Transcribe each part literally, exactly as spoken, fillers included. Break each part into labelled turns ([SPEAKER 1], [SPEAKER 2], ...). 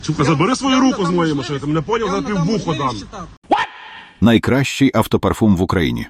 [SPEAKER 1] Сука, забери свою руку з моєї машини, ти мене поняв, за піввухо дам.
[SPEAKER 2] Найкращий автопарфум в Україні.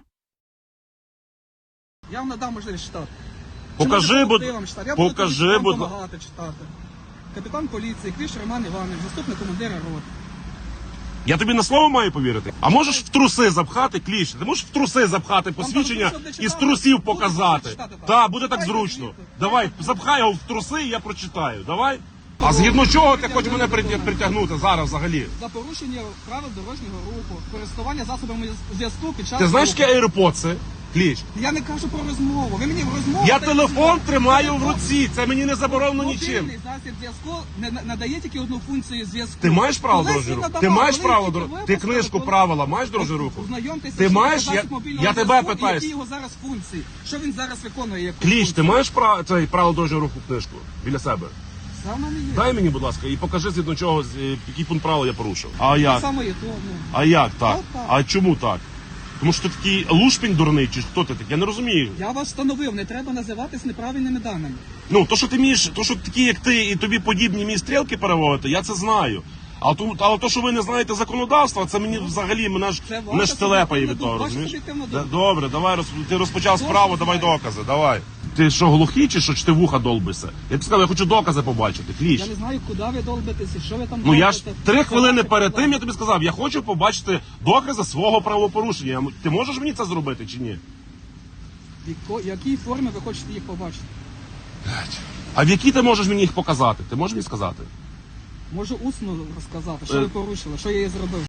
[SPEAKER 3] Я вам надам можливість читати.
[SPEAKER 1] Покажи, будь
[SPEAKER 3] Я буду
[SPEAKER 1] покажи,
[SPEAKER 3] вам
[SPEAKER 1] будь
[SPEAKER 3] допомагати читати. Капітан поліції, Кліш Роман Іванович, заступник командира роти.
[SPEAKER 1] Я тобі на слово маю повірити? А можеш в труси запхати, Кліш? Ти можеш в труси запхати посвідчення
[SPEAKER 3] там
[SPEAKER 1] і з
[SPEAKER 3] читати?
[SPEAKER 1] трусів
[SPEAKER 3] Будете
[SPEAKER 1] показати?
[SPEAKER 3] читати, так?
[SPEAKER 1] Так, буде так
[SPEAKER 3] Читайте
[SPEAKER 1] зручно.
[SPEAKER 3] звідти.
[SPEAKER 1] Давай, запхай його в труси і я прочитаю. Давай. А згідно чого ти хочеш мене притя- притягнути зараз взагалі?
[SPEAKER 3] За порушення правил дорожнього руху, користування засобами зв'язку під час
[SPEAKER 1] Ти знаєш,
[SPEAKER 3] руху.
[SPEAKER 1] яке AirPods? Кліч.
[SPEAKER 3] Я не кажу про розмову. Ви мені в розмову...
[SPEAKER 1] Я
[SPEAKER 3] та-
[SPEAKER 1] телефон тримаю в
[SPEAKER 3] Телефон-
[SPEAKER 1] руці, це мені не заборонено нічим.
[SPEAKER 3] Мобільний засіб зв'язку не на- надає тільки одну функцію зв'язку.
[SPEAKER 1] Ти маєш право
[SPEAKER 3] Колись
[SPEAKER 1] дорожнього
[SPEAKER 3] він
[SPEAKER 1] руху?
[SPEAKER 3] надавав,
[SPEAKER 1] Ти маєш
[SPEAKER 3] коли
[SPEAKER 1] право
[SPEAKER 3] тільки
[SPEAKER 1] дор-
[SPEAKER 3] ви
[SPEAKER 1] Ти
[SPEAKER 3] поставили,
[SPEAKER 1] книжку
[SPEAKER 3] коли-
[SPEAKER 1] правила маєш дорожнього руху?
[SPEAKER 3] Ознайомтеся,
[SPEAKER 1] Ти
[SPEAKER 3] що
[SPEAKER 1] маєш?
[SPEAKER 3] це
[SPEAKER 1] Я-
[SPEAKER 3] засіб мобільного
[SPEAKER 1] я тебе
[SPEAKER 3] зв'язку і
[SPEAKER 1] питаю.
[SPEAKER 3] які його зараз функції. Що він зараз виконує як
[SPEAKER 1] Кліч,
[SPEAKER 3] функцію?
[SPEAKER 1] ти маєш право цей право дорожнього руху книжку біля себе?
[SPEAKER 3] Саме не є.
[SPEAKER 1] Дай мені, будь ласка, і покажи згідно чого, з- е, який пункт правил я порушив. А
[SPEAKER 3] Так
[SPEAKER 1] як?
[SPEAKER 3] само є то, ну.
[SPEAKER 1] А як так?
[SPEAKER 3] Так, так.
[SPEAKER 1] А чому так? Тому що ти такий лушпінь дурний, чи хто ти такий? Я не розумію.
[SPEAKER 3] Я вас встановив, не треба називатись неправильними даними.
[SPEAKER 1] Ну, то, що ти вмієш, то, що такі, як ти, і тобі подібні мій стрілки переводити, я це знаю. А то, але то, що ви не знаєте законодавства, це мені взагалі мене ж
[SPEAKER 3] Це ваша
[SPEAKER 1] мене ж телепає від
[SPEAKER 3] суб'єктивна
[SPEAKER 1] того,
[SPEAKER 3] думка,
[SPEAKER 1] розумієш?
[SPEAKER 3] ваша суб'єктивна
[SPEAKER 1] Да,
[SPEAKER 3] думка.
[SPEAKER 1] добре, давай роз... ти розпочав
[SPEAKER 3] Добре,
[SPEAKER 1] справу, давай
[SPEAKER 3] давай.
[SPEAKER 1] докази, давай. Ти що, глухий чи що, чи ти вуха долбишся? Я тобі сказав, я хочу докази побачити, Кліч.
[SPEAKER 3] Я не знаю, куди ви долбитеся, що ви там
[SPEAKER 1] Ну я ж
[SPEAKER 3] робите.
[SPEAKER 1] три хвилини
[SPEAKER 3] Давайте,
[SPEAKER 1] перед тим я
[SPEAKER 3] давайте.
[SPEAKER 1] тобі сказав, я хочу побачити докази свого правопорушення. Я м- Ти можеш мені це зробити чи ні?
[SPEAKER 3] В яко- якій формі ви хочете їх побачити?
[SPEAKER 1] А в якій ти можеш мені їх показати? Ти можеш мені сказати?
[SPEAKER 3] Можу усно розказати, що
[SPEAKER 1] Е.
[SPEAKER 3] ви порушили, що я її зробив.